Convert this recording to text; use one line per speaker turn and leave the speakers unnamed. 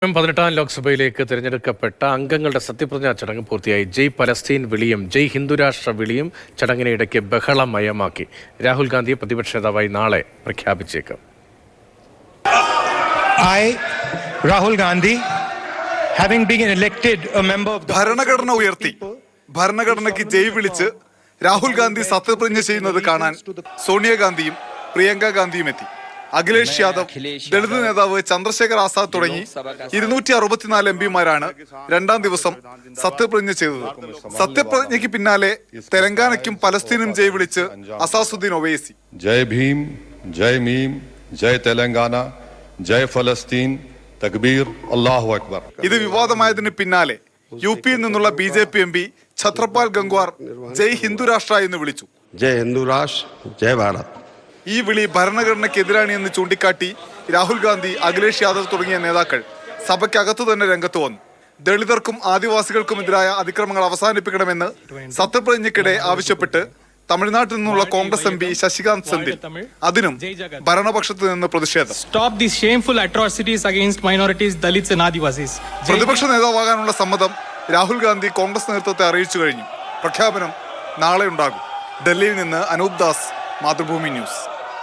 18ാം ലോക്സഭയിലേക്ക് തിരഞ്ഞെടുക്കപ്പെട്ട അംഗങ്ങളുടെ സത്യപ്രതിജ്ഞാ ചടങ്ങ് പൂർത്തിയായി. ജയ് പലസ്തീൻ വിളിയും ജയ് ഹിന്ദുരാഷ്ട്ര വിളിയും ചടങ്ങിനെ ഇടയ്ക്ക് ബഹളമയമാക്കി. രാഹുൽ ഗാന്ധിയെ പ്രതിപക്ഷ നേതാവായി നാളെ പ്രഖ്യാപിച്ചേക്കും.
രാഹുൽ ഗാന്ധി
ഭരണഘടന ഉയർത്തി ഭരണഘടനയ്ക്ക് ജയ് വിളിച്ച് രാഹുൽ ഗാന്ധി സത്യപ്രതിജ്ഞ ചെയ്യുന്നത് കാണാൻ സോണിയാഗാന്ധിയും പ്രിയങ്ക ഗാന്ധിയും എത്തി. അഖിലേഷ് യാദവ്, ദളിത് നേതാവ് ചന്ദ്രശേഖർ ആസാദ് തുടങ്ങി 264 എംപിമാരാണ് രണ്ടാം ദിവസം സത്യപ്രതിജ്ഞ ചെയ്തത്. സത്യപ്രതിജ്ഞയ്ക്ക് പിന്നാലെ തെലങ്കാനയ്ക്കും പലസ്തീനും ജയ് വിളിച്ച് അസാസുദ്ദീൻ ഒവൈസി.
ജയ് ഭീം, ജയ് മീം, ജയ് തെലങ്കാന, ജയ് ഫലസ്തീൻ, തക്ബീർ, അല്ലാഹു അക്ബർ.
ഇത് വിവാദമായതിന് പിന്നാലെ യുപിയിൽ നിന്നുള്ള BJP MP ഛത്രപാൽ ഗംഗ്വാർ ജയ് ഹിന്ദുരാഷ്ട്ര എന്ന് വിളിച്ചു.
ജയ് ഹിന്ദുരാഷ്ട്ര, ജയ് ഭാരത്.
ഈ വിളി ഭരണഘടനയ്ക്കെതിരാണ് എന്ന് ചൂണ്ടിക്കാട്ടി രാഹുൽ ഗാന്ധി, അഖിലേഷ് യാദവ് തുടങ്ങിയ നേതാക്കൾ സഭയ്ക്കകത്തു തന്നെ രംഗത്ത് വന്നു. ദളിതർക്കും ആദിവാസികൾക്കുമെതിരായ അതിക്രമങ്ങൾ അവസാനിപ്പിക്കണമെന്ന് സത്യപ്രതിജ്ഞയ്ക്കിടെ ആവശ്യപ്പെട്ട് തമിഴ്നാട്ടിൽ നിന്നുള്ള കോൺഗ്രസ് MP ശശികാന്ത് സെന്തിൽ. അതിനും ഭരണപക്ഷത്ത് നിന്ന് പ്രതിഷേധം. പ്രതിപക്ഷ നേതാവാകാനുള്ള സമ്മതം രാഹുൽ ഗാന്ധി കോൺഗ്രസ് നേതൃത്വത്തെ അറിയിച്ചു കഴിഞ്ഞു. പ്രഖ്യാപനം നാളെ ഉണ്ടാകും. ഡൽഹിയിൽ നിന്ന് അനൂപ് ദാസ്, മാതൃഭൂമി ന്യൂസ്.